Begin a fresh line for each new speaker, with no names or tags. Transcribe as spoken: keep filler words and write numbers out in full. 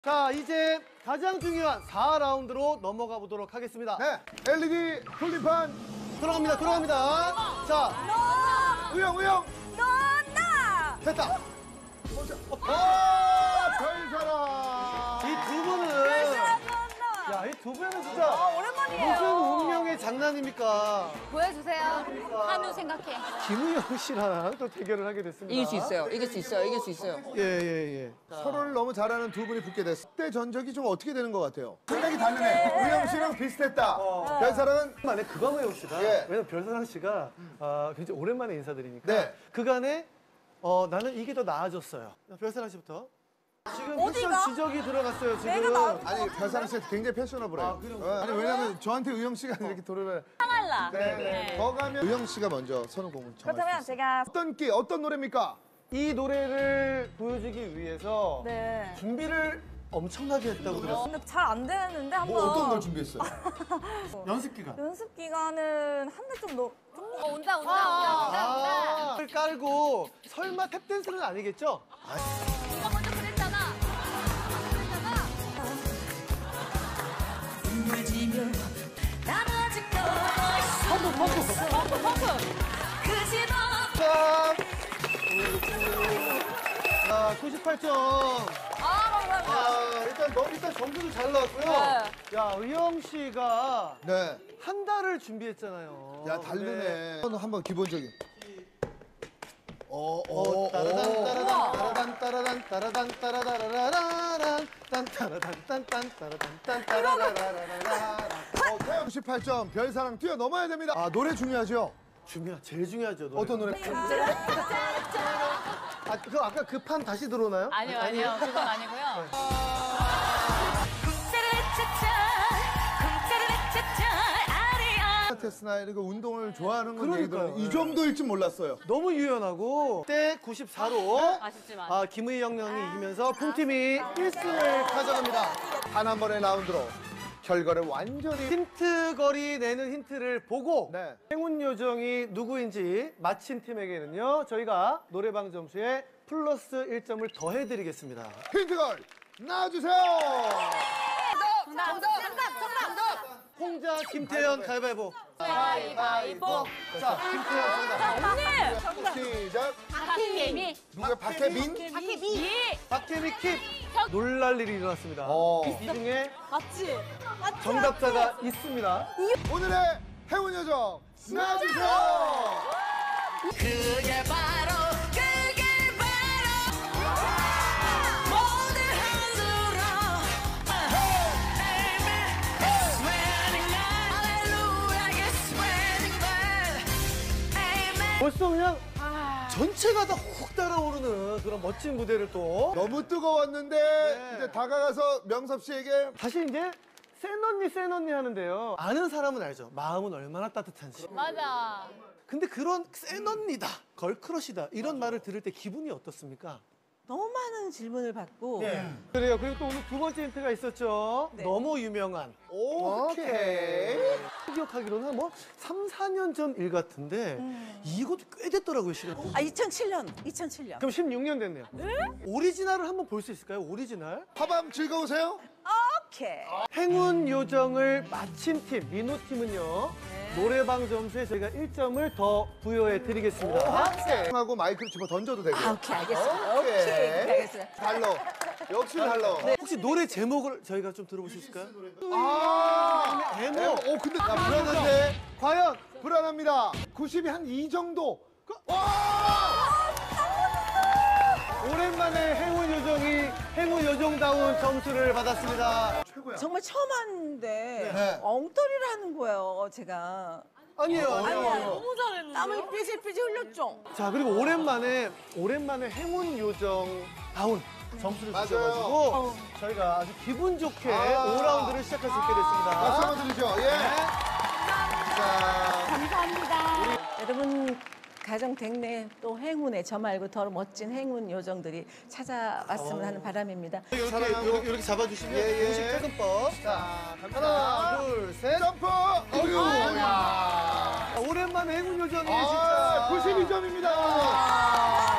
자, 이제 가장 중요한 사 라운드로 넘어가 보도록 하겠습니다.
네, 엘이디 돌림판
들어갑니다, 들어갑니다. 자,
우영, 우영.
너나
됐다.
아, 별사랑.
이 두 분은, 야, 이 두 분은 진짜
아, 오랜만이에요.
무슨 운명의 장난입니까?
보여주세요. 한우 생각해.
김우영 씨랑 또 대결을 하게 됐습니다.
이길 수 있어요. 이길 수 있어요. 이길 수 있어요.
예, 예, 예.
서로를 너무 잘 아는 두 분이 붙게 됐어. 그때 전적이 좀 어떻게 되는 것 같아요? 생각이 다르네. 우영 씨랑 비슷했다.
어.
별사랑은
만에 그광호영 씨가,
예.
왜냐면 별사랑 씨가 아, 굉장히 오랜만에 인사드리니까
네.
그간에 어, 나는 이게 더 나아졌어요. 별사랑 씨부터. 지금
어디가?
패션 지적이 들어갔어요, 지금.
내가 나-
아니 별사랑 씨 굉장히 패셔너블해요.
아, 그래요?
어, 아니 왜냐면 저한테 우영 씨가 이렇게 돌을
상할라.
네, 네. 더 가면 우영 씨가 먼저 선우공을 정할 수
그렇다면
있어요.
제가
어떤 끼 어떤 노래입니까?
이 노래를 보여주기 위해서
네.
준비를 엄청나게 했다고 들었어요.
근데 잘 안 되는데 한번
뭐 어떤 걸 준비했어요?
연습 기간.
연습 기간은 한 대 좀 넣. 좀...
어, 온다, 온다, 온다, 온다, 온다.
아, 을 깔고 설마 탭댄스는 아니겠죠?
네가 먼저 그랬잖아. 그랬잖아.
펌프, 펌프.
펑크, 펑크.
자, 자, 구십팔 점.
아, 감사합니다.
아, 일단, 너, 일단 점수도 잘 나왔고요.
네.
야, 의영 씨가
네.
한 달을 준비했잖아요.
야 다르네. 한번 기본적인. 어, 어,
어,
어.
따라단 따라단 따라단 따라단 따라다라라란 딴 따라단 딴딴 따라단 딴 따라라라라라.
어, 태영 구십팔 점 별사랑 뛰어넘어야 됩니다. 아 노래 중요하죠?
중요, 제일 중요하죠. 노래가.
어떤 노래?
아, 그 아까 그 판 다시 들어오나요?
아니요, 아니요. 그건 아니고요.
테스나 이거 운동을 좋아하는 건
그러니까요.
얘기들은 이 정도일 줄 몰랐어요.
너무 유연하고 그때 구십사로
아쉽지만.
아, 김의영 형이 이기면서 풍팀이 일 승을 가져갑니다.
단 한 번의 라운드로 결과를 완전히
힌트 거리 내는 힌트를 보고
네.
행운 요정이 누구인지 맞힌 팀에게는요, 저희가 노래방 점수에 플러스 일 점을 더해드리겠습니다.
힌트걸 나와주세요.
정답, 정답, 정답, 정답.
홍자 김태현 가위바위보.
가위바위보.
자, 김태현 정답.
언니.
시작.
박혜미.
누가 박혜민?
박혜미.
박혜미 킵. 놀랄 일이 일어났습니다.
어.
이 중에
맞지? 맞지?
정답자가 있습니다.
오늘의 행운 요정 나와주세요.
그게 바로 그게 바로 모두 흔들어 It's raining Hallelujah It's raining Amen
벌써 그냥 전체가 다 훅 따라오르는 그런 멋진 무대를 또
너무 뜨거웠는데
네.
이제 다가가서 명섭 씨에게
다시 이제 센 언니 센 언니 하는데요. 아는 사람은 알죠. 마음은 얼마나 따뜻한지.
맞아.
근데 그런 센 언니다, 걸크러시다 이런 말을 들을 때 기분이 어떻습니까?
너무 많은 질문을 받고
네. 그래요. 그리고 또 오늘 두 번째 힌트가 있었죠.
네.
너무 유명한.
오케이.
기억하기로는 뭐 삼, 사 년 전 일 같은데 이것도 꽤 됐더라고요, 시간.
아 이천칠 년 이천칠 년
그럼 십육 년 됐네요. 오리지널을 한번 볼 수 있을까요? 오리지널.
하밤 즐거우세요?
오케이
행운 요정을 마친 팀, 민호 팀은요. 노래방 점수에 저희가 일 점을 더 부여해 드리겠습니다.
하고 마이크를 집어 던져도 되고.
아 오케이 알겠습니다
오케이.
오케이 알겠어요
달러. 역시 달러.
혹시 노래 제목을 저희가 좀 들어볼 수 있을까요?
아.
에모.
오 근데 나 불안한데.
과연
불안합니다. 구십이 한 이 정도. 그- 와!
오랜만에 행운 요정이 행운 요정다운 점수를 받았습니다.
최고야.
정말 처음 왔는데
네.
엉터리를 하는 거예요 제가
아니에요, 아니에요.
너무 잘했는데.
땀을 삐질삐질 흘렸죠
자, 그리고 오랜만에 오랜만에 행운 요정다운 점수를
맞아요.
주셔가지고 저희가 아주 기분 좋게
아.
오 라운드를 시작할 수 있게
박수
됐습니다.
한번 드리죠. 예. 자,
감사합니다.
여러분 가정 댁내 또 행운에 저 말고 더 멋진 행운 요정들이 찾아왔으면 하는 바람입니다
이렇게,
사랑하고.
이렇게, 이렇게 잡아주시면
예, 예.
공식 퇴근법.
자,
하나, 둘, 셋.
점프. 어유. 야.
오랜만에 행운 요정이
아,
진짜.
구십이 점입니다.